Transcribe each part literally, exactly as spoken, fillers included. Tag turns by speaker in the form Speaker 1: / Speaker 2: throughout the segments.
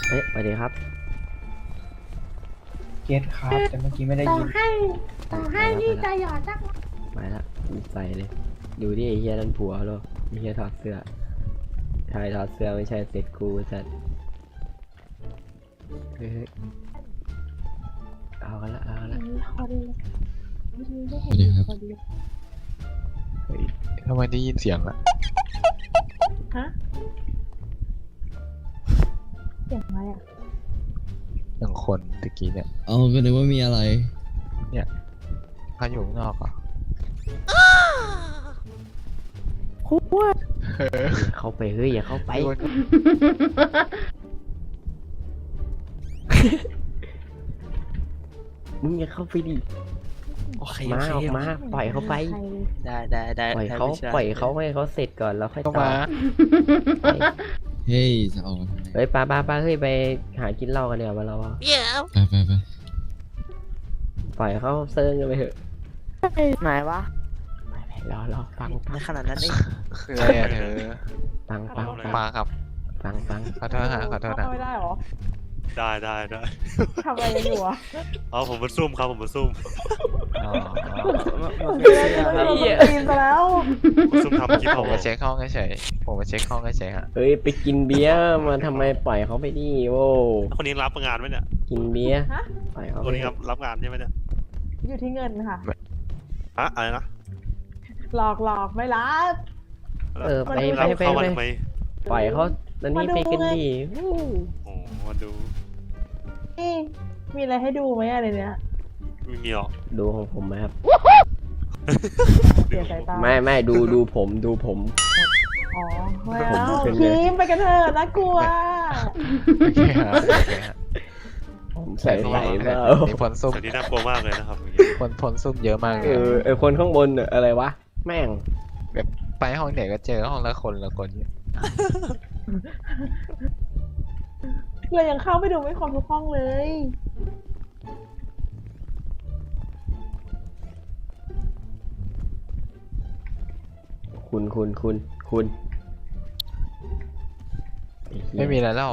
Speaker 1: เอ๊ะสวัสดีครับ
Speaker 2: เกตครับแต่เมื่อกี้ไม่ได้
Speaker 3: ต่อ
Speaker 2: ยิน
Speaker 3: ให้ต่อให้นี่จะหยอดสัก
Speaker 1: ไปละใส่เลยดูดิไอ้เฮียนั่นผัวเหรอไอ้เฮียถอดเสื้อชายถอดเสื้อไม่ใช่เสร็จกูจัดเฮ้ยเอากันละเอากันละ
Speaker 3: คนไม่
Speaker 4: สวัสดีครับ
Speaker 3: คนเดียว
Speaker 1: เฮ้ย
Speaker 5: ทำไมได้ยินเสียงอะ
Speaker 3: ฮะเสียงอะไรอ่ะ
Speaker 5: อย่างคนตะกี้เนี่ย
Speaker 4: เอาก็นึกว่ามีอะไร
Speaker 5: เขาอยู่ข้างนอกเหรอ่ะ
Speaker 3: คุกว่า
Speaker 1: เข้าไปเฮ้ยอย่าเข้าไปมึงอย่าเข้าไปดิ
Speaker 6: โอเค
Speaker 1: มา
Speaker 6: โอ
Speaker 1: อ
Speaker 6: เค
Speaker 1: อกมาปล่อยเขาไป
Speaker 6: ได้ได้ได้
Speaker 1: ปล่อย
Speaker 6: ได้
Speaker 1: เขา
Speaker 6: พี่ชย
Speaker 1: ปล่อยเขาให้เขาเสร็จก่อนแล้วค่อย
Speaker 5: ก็
Speaker 1: ต่อ
Speaker 5: มา
Speaker 1: ไป
Speaker 4: เฮ้ย จะออกมาทำไม
Speaker 1: เฮ้ยป้าป้าป้าเฮ้ยไปหากินเหล้ากันเดี๋ยวมาเราอะ
Speaker 4: ไปไปไป
Speaker 1: ปล่อยเขาเซิร์งกันไปเถอะ
Speaker 6: ไหนวะ
Speaker 1: ไปไปรอรอฟังฟั
Speaker 6: ใน
Speaker 1: ง
Speaker 6: ขนาดนั้นเอง
Speaker 5: คืออะไรอะเธอ
Speaker 1: ฟังฟังฟัง
Speaker 5: มาครับ
Speaker 1: ฟังฟัง
Speaker 5: ขอโทษนะขอโทษนะ
Speaker 3: เข้าไม่ได้หรอ
Speaker 7: ได้ได้ได้
Speaker 3: ทำอะไรกันอยู่อ่ะ
Speaker 7: เอาผมมาซุ่มครับผมมาซุ่ม
Speaker 5: อ๋อ
Speaker 6: มัน
Speaker 3: เดื
Speaker 6: เป็น
Speaker 3: อน
Speaker 6: เสื้อ
Speaker 3: จะ
Speaker 6: ครับ
Speaker 3: โดนตีนไปแล้ว
Speaker 7: มาซุ่มทำคลิป
Speaker 5: ผม
Speaker 7: ผ
Speaker 5: มาเช็คห้องเฉยๆผมมาเช็คห้องเฉยๆฮะ
Speaker 1: เฮ้ยไปกินเบียร์มาทำไมปล่อยเขาไปดิโว้
Speaker 7: คนนี้รับงานไหมเนี่ย
Speaker 1: กินเบียร์
Speaker 3: ฮะ
Speaker 1: ปล่อยเขา
Speaker 7: คน
Speaker 1: ไป
Speaker 7: นี้ครับรับงานใช่ไหมเนี่ย
Speaker 3: อยู่ที่เงินค่ะ
Speaker 7: ฮะอะไรนะ
Speaker 3: หลอกหลอกไม่รับ
Speaker 1: เออไป
Speaker 7: รับ
Speaker 1: ไปไป
Speaker 7: เข้ามา
Speaker 1: ไป
Speaker 7: ทำไม
Speaker 1: ปล่อยเขาตอนนี้ไปกันดิวู้
Speaker 7: โอ้มาดู
Speaker 3: นี่มีอะไรให้ดูไหมอะไรเนี้ย
Speaker 7: ไม่มีหรอก
Speaker 1: ดูของผมไหมครับ
Speaker 3: เสียสายตา
Speaker 1: ไม่ไม่ดูดูผมดูผม
Speaker 3: อ๋อไม่
Speaker 1: ผม
Speaker 3: เอา
Speaker 1: เป็นไง
Speaker 3: คิมไปกันเถอะน่ากลัว
Speaker 5: โอเคฮะโอเคฮะ
Speaker 1: ผมใส่ใส่เปล่า
Speaker 5: มีผลซุ่ม
Speaker 7: แต่นี่น่ากลัวมากเลยนะครับ
Speaker 5: ผลผลซุ่มเยอะมากเล
Speaker 1: เอย อไอคนข้างบนน่ะอะไรวะแม่ง
Speaker 5: แบบไปห้องไหนก็เจอห้องละคนละคนเนี่ย
Speaker 3: เรายังเข้าไปดูไม่ครบทุกห้องเลย
Speaker 1: คุณคุณคุณคุณอ้เหี้ย
Speaker 5: ไม่มีอะไรแล้ว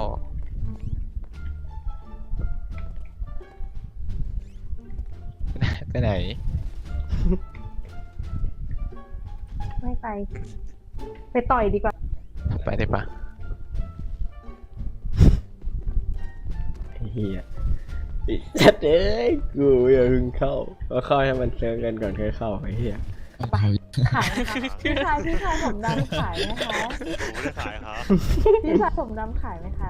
Speaker 5: ไปไหน
Speaker 3: ไม่ไป ไปต่อยดีกว่า
Speaker 5: ไปได้ปะ
Speaker 1: ไอ้เฮียไอ้จัดเอ้ยกูอย่าเพึ่งเข้าก็เข้าให้มันเซิร์ฟกันก่อนค่อยเข้าไอ้เฮีย
Speaker 4: เอาเอา
Speaker 3: ขายไหมคะพี่ชายพี่ชายผมดำขายไหมคะ
Speaker 7: ผมไม่ได้ขายครับ
Speaker 3: พี่ชายผมดำขายไหมคะ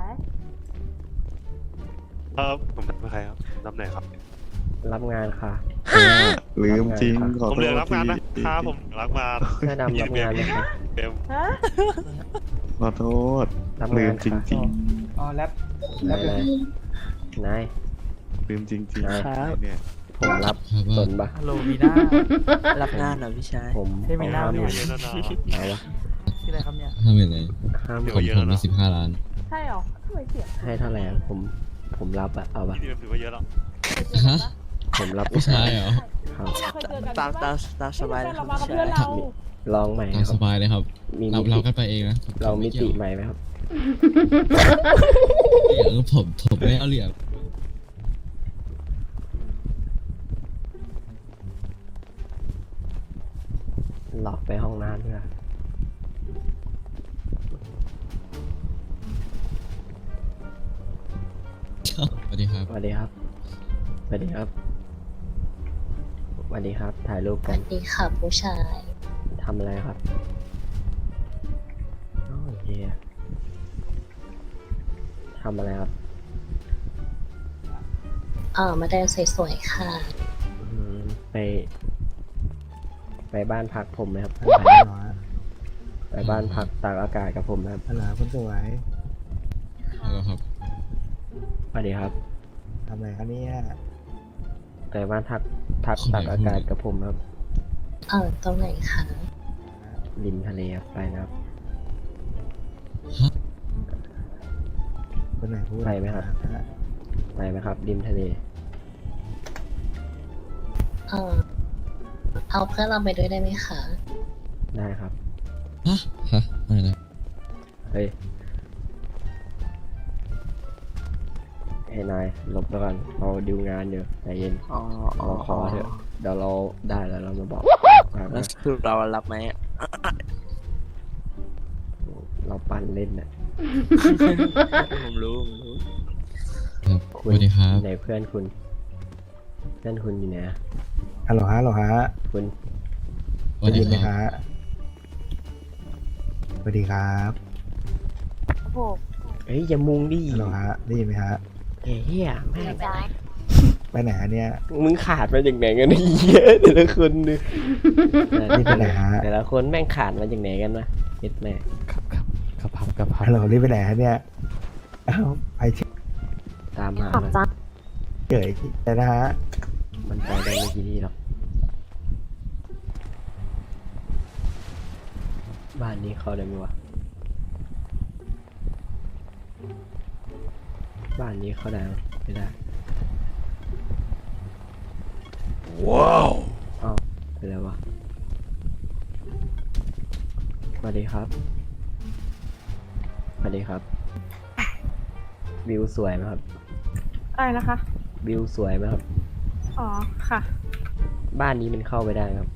Speaker 7: ครับผมไม่ใครครับรับไหนครับ
Speaker 1: รับงานค่ะ
Speaker 8: ลืมจริงขอ
Speaker 7: ผม
Speaker 8: โท
Speaker 7: เรีย
Speaker 8: ษ
Speaker 7: นรับงานนะ
Speaker 8: ที
Speaker 7: ครับผมรับงาน
Speaker 1: เสื้อดำรับงานไหมคะ
Speaker 7: เต็ม
Speaker 3: ฮะ
Speaker 8: ขอโทษ
Speaker 1: รับ
Speaker 8: ลื
Speaker 1: งาม น
Speaker 8: จริงจริง
Speaker 2: อ๋อแรปแร
Speaker 1: นาย
Speaker 2: ปเลย
Speaker 1: นาย
Speaker 8: ๆลืมจริงจริง
Speaker 1: ครับ
Speaker 8: เนี่ย
Speaker 1: ผมรับ
Speaker 4: ครับ
Speaker 1: ส
Speaker 4: ว่าน
Speaker 1: ปะ
Speaker 6: ฮัลโหลมีหน้ารับงานเหรอพี่ชาย
Speaker 1: ผม
Speaker 6: ให้มีหน้า
Speaker 1: ห้าห
Speaker 6: ด้
Speaker 1: มื่
Speaker 6: วย
Speaker 1: น
Speaker 7: เยอะแล้วนะ
Speaker 1: เอาวะ
Speaker 6: ที่อะไรครับเนี่ย
Speaker 4: ห้าหมื่นเลย
Speaker 1: ห้าหมื่
Speaker 4: ผม
Speaker 1: น
Speaker 7: เยอะ
Speaker 4: ผ
Speaker 7: แล้
Speaker 4: ม
Speaker 7: ว
Speaker 4: มี
Speaker 7: นะ
Speaker 4: สิบห้าล้าน
Speaker 3: ใช่เหรอทำไมเสียง
Speaker 1: ให้เท่าไหร่อะผมผมรับอะเอาปะ
Speaker 7: นี่ถือว่าเยอะแล้ว
Speaker 4: ฮะ
Speaker 1: ผมรับ
Speaker 4: ผู้ชายเหรอ
Speaker 1: ครับ
Speaker 3: เคยเจอกัน
Speaker 6: ตาม
Speaker 3: ใช่
Speaker 6: ตา
Speaker 3: ปะ
Speaker 6: มตามสบายเลยค
Speaker 3: เรา
Speaker 6: รับ
Speaker 3: มากับ
Speaker 6: พี่
Speaker 3: เพื่อน
Speaker 6: ชาย
Speaker 3: เรา
Speaker 1: ลองใหม่
Speaker 4: ตาม
Speaker 1: ค
Speaker 4: ส
Speaker 1: รับ
Speaker 4: บายเลยครับ
Speaker 1: มี
Speaker 4: เรา
Speaker 1: มิ
Speaker 4: เรา
Speaker 1: ติ
Speaker 4: กันไปเองนะผ
Speaker 1: เรามิ
Speaker 4: ไกี่
Speaker 1: ติ
Speaker 4: ยว
Speaker 1: ใหม่ไหมครับ
Speaker 4: เดี๋ยวผมผมไม่เอาเหลี่ยม
Speaker 1: หลอกไปห้องน้ำเพื่อ
Speaker 4: สวัสดีครับ
Speaker 1: สวัสดีครับสวัสดีครับสวัสดีครับ ถ่ายรูป
Speaker 9: ส
Speaker 1: กั
Speaker 9: วัน สดีค่ะผู้ชาย
Speaker 1: ทำอะไรครับโอ้ยเฮียทำอะไรครับ
Speaker 9: เออมาเดินสวยๆค่ะ
Speaker 1: อืมไป ไปบ้านพักผมไหมครับ ไปบ้านพักตากอากาศกับผมนะครับ
Speaker 10: ฮัลโหลคุณสวย
Speaker 4: เอาละครับ
Speaker 1: สวัสดีครับ
Speaker 10: ทำอะไรคะเนี่ย
Speaker 1: ไปบ้านพักพักตากอากาศกับผมครับ
Speaker 9: เออตรงไหนคะ
Speaker 1: ริมทะเลครับไปนะครับ
Speaker 10: คนไหนพูด
Speaker 1: ไปไหมครับ ไปไหมครับ ริมทะเล
Speaker 9: เออเอาเพื่อนเราไปด้วยได้ไหมคะ
Speaker 1: ได้ครับ
Speaker 4: ฮะ ฮะอะไรนะ
Speaker 1: เฮ้ยให้นายหลบไปก่อนเราดิวงานอยู่ใจเย็น
Speaker 6: อ๋ออ๋อ
Speaker 1: เราขอเถอะเดี๋ยวเราได้แล้วเรามาบอกไป
Speaker 6: แล้วสรุปเรารับไหมอะ
Speaker 1: เราปั่นเล่นน่ะ
Speaker 6: ผมรู้ผมรู้
Speaker 4: ครับสวัสดีครับ
Speaker 1: ไหนเพื่อนคุณ เพื่อนคุณอยู่ไหนอะ
Speaker 2: ฮัลโหลฮะฮัลโหลฮะ
Speaker 1: คุณ
Speaker 4: สวัส
Speaker 2: ได้
Speaker 4: ดี
Speaker 2: ยินไหม
Speaker 4: ครับ
Speaker 2: ฮะสวัสดีครับ
Speaker 3: โอ้โห
Speaker 1: เฮ้ยอย่ามุงดิ
Speaker 2: ฮัลโหลฮะได้ยินไหมฮะ
Speaker 1: เฮียแม่ง
Speaker 3: จ้า
Speaker 2: ไปไหนฮะเนี่ย
Speaker 1: มึงขาดมาจากไหนกันเนี่ยเยอะแต่ละคนเนี่ย
Speaker 2: รีบไปไหนฮะ
Speaker 1: แต่ละคนแม่งขาดมาจากไหนกันวะเฮ็ดแม่
Speaker 5: ครับครับกระพับกระพับ
Speaker 2: ฮัลโหลรีบไปไหนฮะเนี่ยเอ้าไปเฉย
Speaker 1: ตามมา
Speaker 3: ขอบ
Speaker 1: มัน
Speaker 3: จ้า
Speaker 2: เฉยแต่นะฮะ
Speaker 1: มันไปได้ไม่กี่ที่หรอกบ้านนี้เข้าได้ไหมวะบ้านนี้เข้าได้ไหมไม่ได้ว้าวอ้าวเป็นไรวะสวัสดีครับสวัสดีครับวิวสวยไหมครับ
Speaker 3: อะไรนะคะ
Speaker 1: วิวสวยไหมครับ
Speaker 3: อ๋อ ค่ะ
Speaker 1: บ้านนี้มันเข้าไปได้ไหมครับ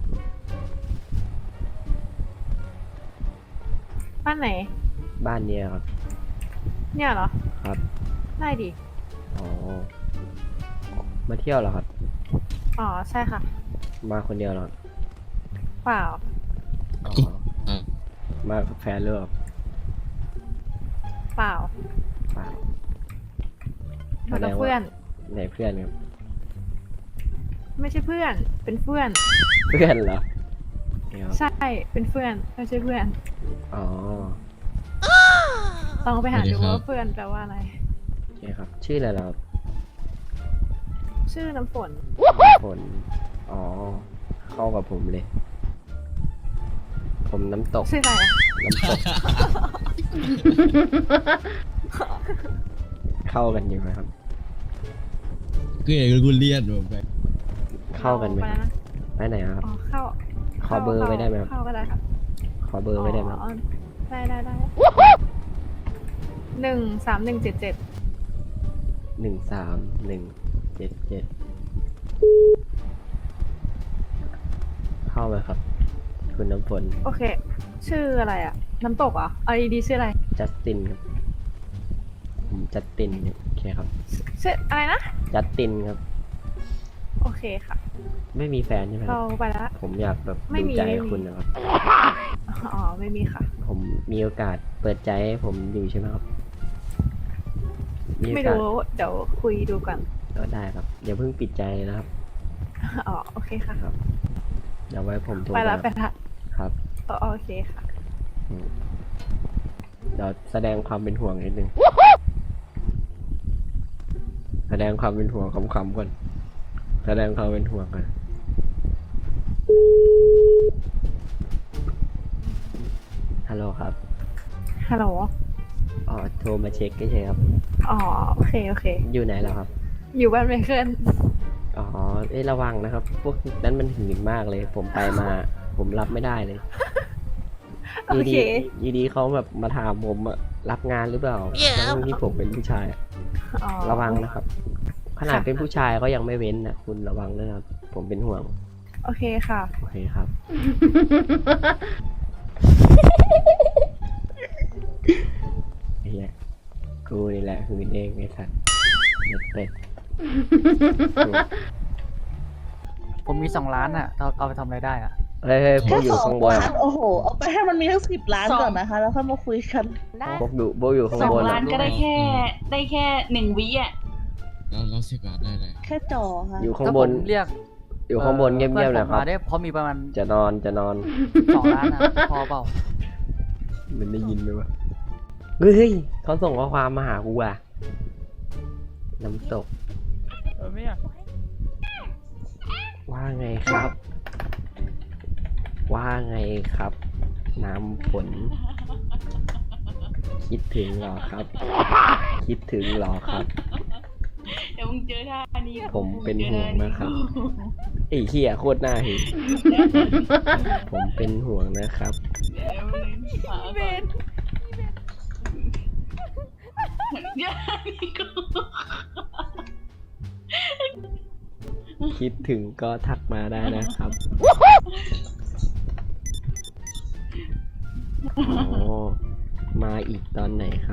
Speaker 3: บ้านไหน
Speaker 1: บ้านเนี้ยครับ
Speaker 3: เนี่ยเหรอ
Speaker 1: ครับ
Speaker 3: ได้ดิ
Speaker 1: อ๋อ มาเที่ยวเหรอครับ
Speaker 3: อ๋อ ใช่ค่ะ
Speaker 1: มาคนเดียวเหรอครับ
Speaker 3: เปล่า
Speaker 1: อ๋อ มากับแฟนหรือเปล่า
Speaker 3: เปล่า
Speaker 1: เปล่า
Speaker 3: มากับเพื่อน
Speaker 1: ไหนเพื่อนครับ
Speaker 3: ไม่ใช่เพื่อน เป็นเพื่อน
Speaker 1: เพื่อนเหรอเดี๋ยว
Speaker 3: ใช่ เป็นเพื่อน ไม่ใช่เพื่อน
Speaker 1: อ๋อ
Speaker 3: ลองไปหา
Speaker 4: สวัสดี
Speaker 3: ดู
Speaker 4: ครับ
Speaker 3: ว่าเพื่อนแปลว่าอะไร
Speaker 1: โอเคครับ ชื่ออะไรเหรอครับ
Speaker 3: ชื่อน้ำฝน
Speaker 1: ผล อ๋อ เข้ากับผมเลย ผมน้ำตก
Speaker 3: ชื่ออะไรอะ
Speaker 1: น้ำตก เข้ากันอยู่ไหมครับ
Speaker 4: ก็อย่างกูเรียนผมไป
Speaker 1: เข้ากันไหม
Speaker 3: ไป
Speaker 1: ครับ
Speaker 3: นะ
Speaker 1: ไปไหนอะครับ
Speaker 3: อ๋อ เข้า
Speaker 1: ขอเบอร์ไว้ได้ไหมครับ
Speaker 3: เข้าก็ได้ค่ะ
Speaker 1: ขอเบอร์ไว้ได้ไหมครับ
Speaker 3: อ๋อได้ได้ได้หนึ่งสามหนึ่งเจ็ดเจ็ด
Speaker 1: หนึ่งสามหนึ่งเจ็ดเจ็ดเข้าไหมครับ คุณน้ำฝน
Speaker 3: โอเค ชื่ออะไรอะน้ำตกเหรอเอาดีๆชื่ออะไร
Speaker 1: จัสตินครับ ผมจัสตินเนี่ยโอเคครับ
Speaker 3: ชื่ออะไรนะ
Speaker 1: จัสตินครับ
Speaker 3: โอเคค่ะ
Speaker 1: ไม่มีแฟนใช่ไหมค
Speaker 3: เรา
Speaker 1: รับ
Speaker 3: ไปละ
Speaker 1: ผมอยากแบบ
Speaker 3: ไม่
Speaker 1: ดู
Speaker 3: มี
Speaker 1: ใจ
Speaker 3: ไม่มี
Speaker 1: คุณนะครับ
Speaker 3: อ๋อ ไม่มีค่ะ
Speaker 1: ผมมีโอกาสเปิดใจให้ผมอยู่ใช่ไหมครับโอ
Speaker 3: ไม่
Speaker 1: กาส
Speaker 3: รู้ เดี๋ยวคุยดูก่อน
Speaker 1: ก็ได้ครับอย่าเพิ่งปิดใจเลยนะครับ
Speaker 3: อ๋อ โอเคค่ะ
Speaker 1: ครับ เดี๋ยวไว้ผมโทร
Speaker 3: ไปละ
Speaker 1: มา
Speaker 3: ไปละ
Speaker 1: ครับ
Speaker 3: อ๋อโอเคค่ะ
Speaker 1: อืมเดี๋ยวแสดงความเป็นห่วงนิดนึง แสดงความเป็นห่วงคำๆก่อน แสดงความเป็นห่วงก่อน ฮัลโหลครับ
Speaker 3: ฮัลโหล
Speaker 1: อ๋อ โทรมาเช็คใช่ครับ
Speaker 3: อ๋อ โอเค โอเค
Speaker 1: อยู่ไหนแล้วครับ
Speaker 3: อยู่บ้านไมเคิล
Speaker 1: อ๋อ เอ้ยระวังนะครับ พวกนั้นมันหื่นมากเลย ผมไปมา ผมรับไม่ได้เลย
Speaker 3: โอ
Speaker 1: ยี
Speaker 3: เค
Speaker 1: ดียีดีเขาแบบมาถามผมอะรับงานหรือเปล่าทั้งที่ผมเป็นผู้ชายอะ
Speaker 3: อ๋อ
Speaker 1: ระวังนะครับ ขนาด
Speaker 3: ค่ะ
Speaker 1: เป็นผู้ชายก็ยังไม่เว้นนะคุณระวังด้วยนะครับ ผมเป็นห่วง
Speaker 3: โอเคค่ะ
Speaker 1: โอเคครับ ไอ้เหี้ยกูนี่แหละหื่นเองไอ้สัตว์เด็ดเป็ด
Speaker 6: ผมมีสองล้านอ่ะ เอาเอาไปทำอะไรได้อ่ะ
Speaker 1: เฮ้ยเฮ้ยพวกอยู่ข้างบน
Speaker 10: ล้านโอ้โห เอาไปให้มันมีทั้งสิบล้านก่อนนะคะ แล้วค่อยมาคุยกัน
Speaker 3: ได้
Speaker 1: พวกอยู่พวกอยู่ข้าง
Speaker 10: สอง
Speaker 1: บน
Speaker 10: ล้า
Speaker 1: อะ
Speaker 10: นก็ได้แค่ ได้แค่หนึ่งวิอ่ะ
Speaker 4: แล้วแล้วสิบบาทได้เลย
Speaker 10: แค่จอค่ะ
Speaker 1: อยู่ข้าง
Speaker 6: ถ้า
Speaker 1: บ
Speaker 6: ผ
Speaker 1: น
Speaker 6: มเรียก
Speaker 1: อยู่ข้างบนเงียบๆ
Speaker 6: พื่อ
Speaker 1: นะ
Speaker 6: ผม
Speaker 1: ครับ
Speaker 6: มาได้เพราะมีประมาณ
Speaker 1: จะนอนจะนอน
Speaker 6: สองล้านอ่ะ พอเปล่า
Speaker 1: มันได้ยินไหมวะ เฮ้ยเฮ้ยเขาส่งข้อความมาหากูอ่ะ น้ำตก
Speaker 6: เออไม่อยาก
Speaker 1: ว่าไงครับ ว่าไงครับ น้ำฝน คิดถึงเหรอครับ คิดถึงเหรอครับ
Speaker 10: เดี๋ยวมึงเจอท่านี้
Speaker 1: ผมเป็นห่วงนะครับไอ้เหี้ยโคตรน่าเห็นผมเป็นห่วงนะครับ
Speaker 10: เดี๋ยวมึงหาก่อนอย่านี่กู
Speaker 1: คิดถึงก็ทักมาได้นะครับ อ๋อ มาอีกตอนไหนครับ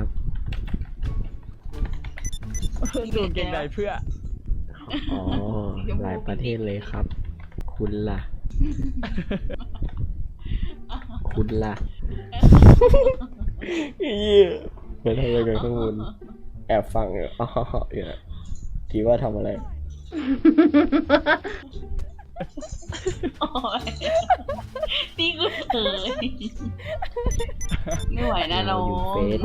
Speaker 10: ดูเก่งใดเพื่อ
Speaker 1: อ๋อ หลายประเทศเลยครับ คุณล่ะ คุณล่ะเหี้ยไม่ทำอะไรกันข้างบนแอบฟังอยู่อ๋ออยู่นะคิดว่าทำอะไร
Speaker 10: โอ้ยนี่กูเขินไม่ไหวนะน้อง
Speaker 1: อยู่เฟซ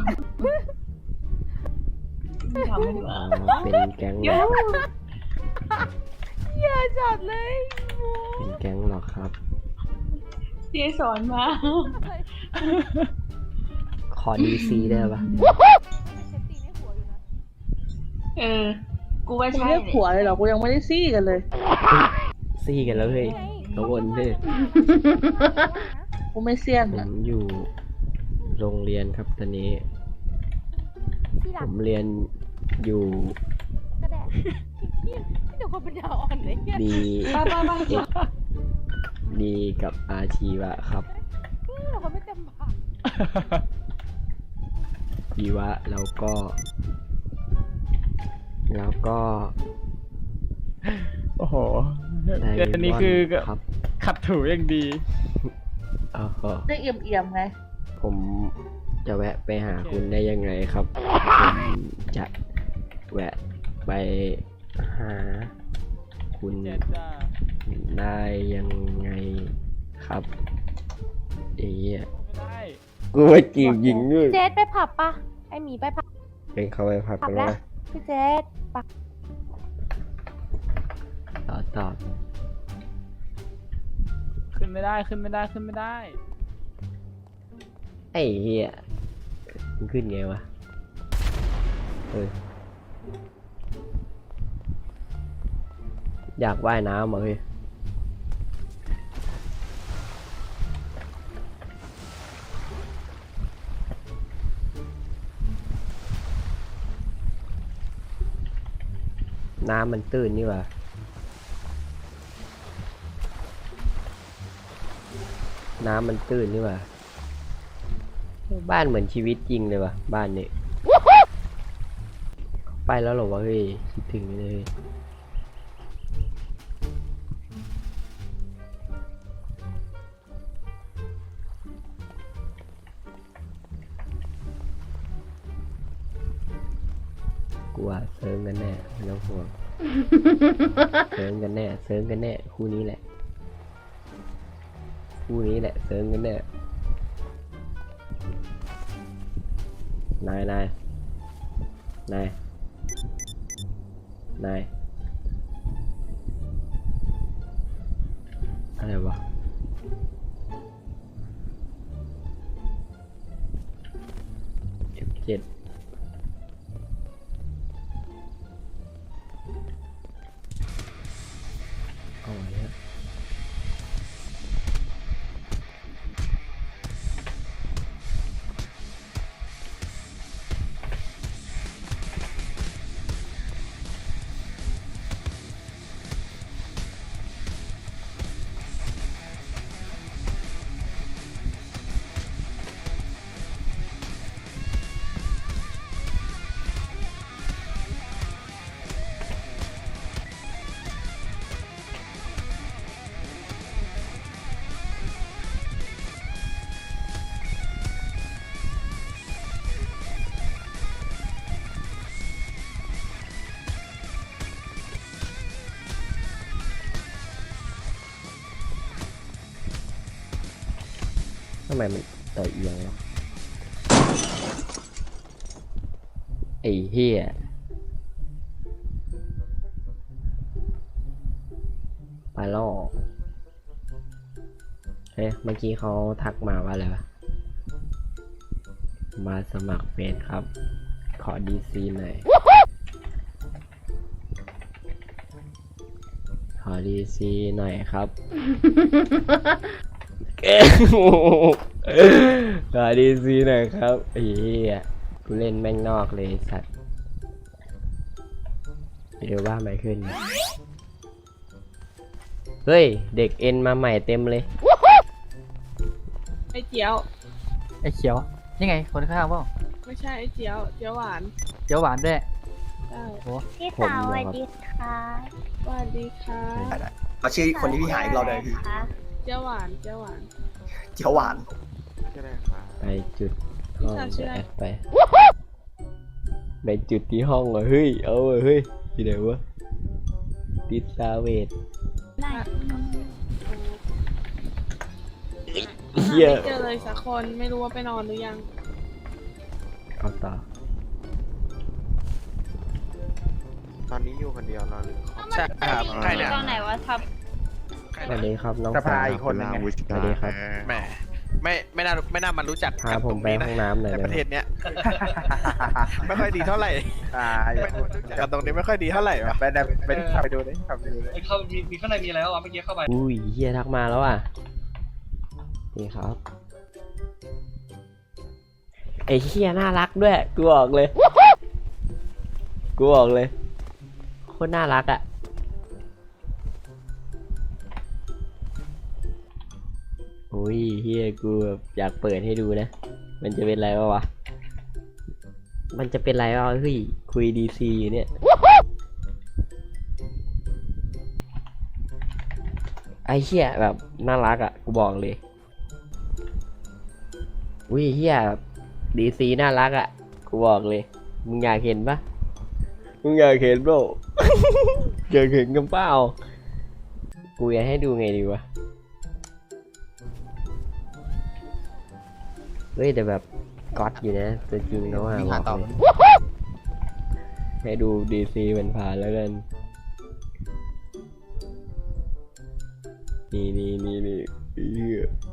Speaker 10: ทำไม่ดีก
Speaker 1: อ๋
Speaker 10: ว่า
Speaker 1: อ เป็นแก๊งเหรอ
Speaker 3: อย่าจัดเลย
Speaker 1: เป็นแก๊งเหรอครับ
Speaker 10: เสียสอนมา
Speaker 1: ขอดีซีได้ปะ
Speaker 10: เออ กูว่า
Speaker 11: กู
Speaker 10: ใช่
Speaker 11: เรียกผัวเลยเหรอ กูยังไม่ได้ซี่กันเลย
Speaker 1: ซี่กันแล้วเฮ้ยทุกคนเฮ้ย
Speaker 11: กูไม่เซียน
Speaker 1: ผ
Speaker 11: อะ
Speaker 1: มอยู่โรงเรียนครับตอนนี้ ผมเรียนอยู่
Speaker 3: กระแดดพี่เดี๋ยวคนปัญญาอ่อนเลยเนี่ย
Speaker 1: ดี
Speaker 10: ไปไปไป
Speaker 1: เอ็กดีกับอาชีวะครับ
Speaker 3: เดี๋ยวคนไม่เต็มปาก
Speaker 1: ชีวะแล้วก็ แล้วก็
Speaker 5: โอ้โห
Speaker 1: ได
Speaker 5: เดี๋ยวนี้คือ
Speaker 1: มอนด์ครับ
Speaker 5: ขัดถูอย่างดี
Speaker 1: อ๋อ
Speaker 11: ได้เอี่ยมเอี่ยมๆไง
Speaker 1: ผมจะแวะไปหาคุณได้ยังไงครับ ผมจะแวะไปหาคุณ
Speaker 5: เจ็ดจ้า
Speaker 1: ได้ยังไงครับไอ้เหี้ย
Speaker 5: ไม่ได้
Speaker 1: กูไปจีบหญิงด้วย
Speaker 3: เจสไปผับปะไอหมีไปผับ
Speaker 1: เป็นเขาไปพัก
Speaker 3: ผับ
Speaker 1: กัน
Speaker 3: แล้ว
Speaker 1: วะ
Speaker 3: พี่เจสปะ
Speaker 1: ต่อตอบ
Speaker 5: ขึ้นไม่ได้ขึ้นไม่ได้ขึ้นไม่ได้
Speaker 1: ไอ้เหี้ยมันขึ้นไงวะเอออยากว่ายน้ำเหรอเฮ้ยน้ำมันตื้นนี่หว่าน้ำมันตื้นนี่หว่าบ้านเหมือนชีวิตจริงเลยว่ะบ้านนี้ไปแล้วเหรอวะเฮ้ยคิดถึงเลยกูว่าเซิร์งกันแน่ไม่ต้องห่วง เซิร์งกันแน่เซิร์งกันแน่คู่นี้แหละคู่นี้แหละเซิร์งกันแน่นายนายนายนายอะไรวะเอฟเจ็ดเอาไว้ฮะทำไมมันต่อเอียงวะไอ้เหี้ยไปล่อเฮ้ยเมื่อกี้เขาทักมาว่าอะไรวะมาสมัครเฟซครับ ขอดีซีหน่อย ขอดีซีหน่อยครับขอดีซีหน่อยครับไอ้เหี้ยกูเล่นแม่งนอกเลยไอ้สัตว์เดี๋ยวว่าไม่ขึ้น เฮ้ย เด็กเอ็นมาใหม่เต็มเลย
Speaker 3: ไอเจียว
Speaker 6: ไอ้เขียว นี่ไง คนข้างๆเปล่า
Speaker 3: ไม่ใช่ไอเจียว เจียวหวาน
Speaker 6: เจียวหวานด้วย
Speaker 3: ใช่
Speaker 9: พี่
Speaker 1: ผม
Speaker 9: สาวส
Speaker 1: เหรอ
Speaker 9: วัสดีค่ะ
Speaker 3: สวัสดีค่ะ
Speaker 12: เอาชื่อคนที่พี่หายอีกรอบเลยพี่
Speaker 3: เจียวหวาน เจียวหวาน
Speaker 12: เจียวหวาน
Speaker 1: ไปจุดห้อง
Speaker 3: พี่สาวชื่ออะไร
Speaker 1: แอดไป ไปจุดที่ห้องเหรอเฮ้ย เอาเหรอเฮ้ยที่ไหนวะติดซาเวทเฮีย
Speaker 3: ไม่เจอเลยสักคนไม่รู้ว่าไปนอนหรือยัง
Speaker 1: เอาต่อ
Speaker 7: ตอนนี้อยู่คนเดียวเราหรือ
Speaker 10: ใช่ครับใครเนี่ยกล้องไหนวะทับ
Speaker 1: สวัสดีครับน้อง
Speaker 2: สภา
Speaker 1: สาว
Speaker 2: อีกคนหนึงไง
Speaker 1: สวัสดีครับ
Speaker 12: แหมไม่ไม่น่าไม่น่ามารู้จัก
Speaker 1: พาผมไปห้องน้ำหน่อย
Speaker 12: ใน
Speaker 1: ได้
Speaker 12: ประ
Speaker 1: ไหม
Speaker 12: เทศเนี้ย ไม่ค่อยดีเท่าไหร่
Speaker 2: อ่า
Speaker 12: ไม่รู้จักกันตรงนี้ไม่ค่อยดีเท่าไหร่วะ
Speaker 2: ไปได้ไปได้ไปดูดิครับไปดูดิ
Speaker 10: เข้ามีมีข้างในมีอะไรวะเมื่อกี้เข้าไป
Speaker 1: อุ้ยเฮียทักมาแล้วอ่ะ นี่ครับ ไอ้เฮียน่ารักด้วย กูบอกเลย กูบอกเลย โคตรน่ารักอ่ะ อุ้ยเฮียกูแบบอยากเปิดให้ดูนะ มันจะเป็นไรวะวะ มันจะเป็นไรวะเฮ้ยคุยดีซีอยู่เนี่ย ไอ้เฮียแบบน่ารักอ่ะ กูบอกเลย อุ้ยเฮียดีซีน่ารักอ่ะ กูบอกเลย มึงอยากเห็นปะมึงอยากเห็นเปล่า อยากเห็นกันเปล่า กูอยากให้ดูไงดีวะ เฮ้ยแต่แบบก๊อตอยู่นะตัวจริงเขาว่าบอกเลยให้ดูดีซีมันผ่านแล้วกัน นี่นี่นี่นี่เหี้ย